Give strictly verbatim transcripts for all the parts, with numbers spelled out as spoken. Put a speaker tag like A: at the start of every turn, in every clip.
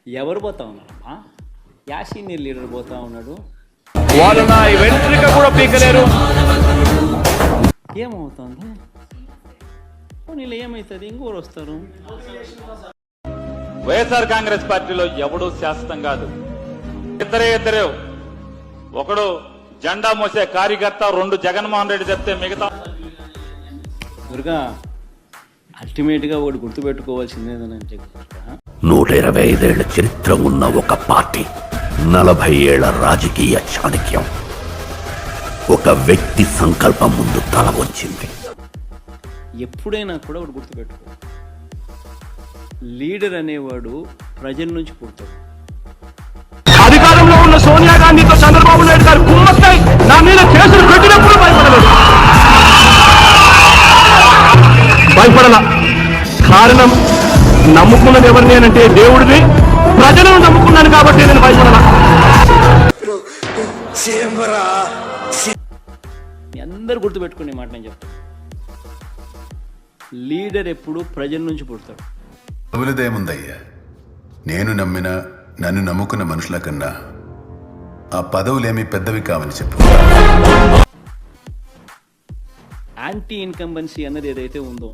A: ఎవరు పోతా ఉన్నారమ్మా? యా సీనియర్ లీడర్ పోతా ఉన్నాడు.
B: వాళ్ళు నా వెంట్రిక కూడా పీకలేరు.
A: ఏమవుతుంది? నీళ్ళు ఏమవుతుంది? ఇంకోరు వస్తారు.
C: వైఎస్ఆర్ కాంగ్రెస్ పార్టీలో ఎవడూ శాశ్వతం కాదు. ఇద్దరే ఇద్దరే, ఒకడు జెండా మోసే కార్యకర్త, రెండు జగన్మోహన్ రెడ్డి చెప్తే మిగతా.
A: దుర్గా, అల్టిమేట్ గా ఒకటి గుర్తుపెట్టుకోవాల్సిందేదంటే
D: నూట ఇరవై ఐదేళ్ల చరిత్ర ఉన్న ఒక పార్టీ, నలభై ఏళ్ల రాజకీయ చాణక్యం ఒక వ్యక్తి సంకల్పం ముందు తల వంచింది.
A: ఎప్పుడైనా కూడా ఒకటి గుర్తుపెట్టుకో, లీడర్ అనేవాడు ప్రజల నుంచి పుడతాడు.
B: అధికారంలో ఉన్న సోనియా గాంధీతో చంద్రబాబు నాయుడు గారు కుమ్మస్తాయి నా మీద కేసులు పెట్టినప్పుడు భయపడలేదు, భయపడలా. కారణం నమ్ముకున్నది ఎవరిని అంటే దేవుడిని, ప్రజలను నమ్ముకున్నాను కాబట్టి నేను భయపడలా.
A: మీ అందరు గుర్తుపెట్టుకునే మాట నేను చెప్తాను, లీడర్ ఎప్పుడు ప్రజల నుంచి పుడతాడు.
E: పదవులదేముందయ్యా, నేను నమ్మిన నన్ను నమ్ముకున్న మనుషుల కన్నా ఆ పదవులేమీ పెద్దవి కావని చెప్పు.
A: యాంటీ ఇన్కంబెన్సీ అన్నది ఏదైతే ఉందో,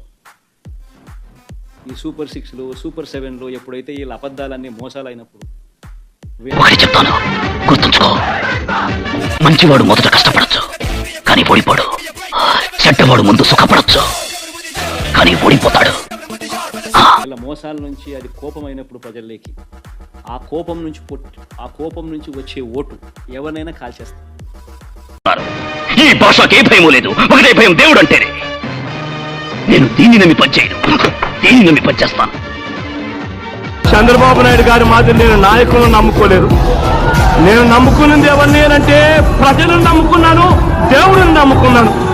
A: ఈ సూపర్ సిక్స్లో సూపర్ సెవెన్లో ఎప్పుడైతే వీళ్ళ అబద్ధాలన్నీ మోసాలు అయినప్పుడు,
D: ఒకటి చెప్తాను, గుర్తుంచుకో. మంచివాడు మొదట కష్టపడచ్చు కానీ ఓడిపోడు. చెడ్డవాడు ముందు సుఖపడచ్చు కానీ ఓడిపోతాడు.
A: వీళ్ళ మోసాల నుంచి అది కోపం అయినప్పుడు ప్రజల్లోకి, ఆ కోపం నుంచి ఆ కోపం నుంచి వచ్చే ఓటు ఎవరినైనా కాల్చేస్తారు.
D: ఈ భాషకే భయం లేదు, ఒకటే భయం, దేవుడు అంటేనే. నేను దీన్ని నమ్మి పనిచేయను, దీన్ని నమ్మి పనిచేస్తాను.
B: చంద్రబాబు నాయుడు గారి మాదిరి నేను నాయకులను నమ్ముకోలేదు. నేను నమ్ముకున్నది ఎవరిని అంటే ప్రజలను నమ్ముకున్నాను, దేవుడిని నమ్ముకున్నాను.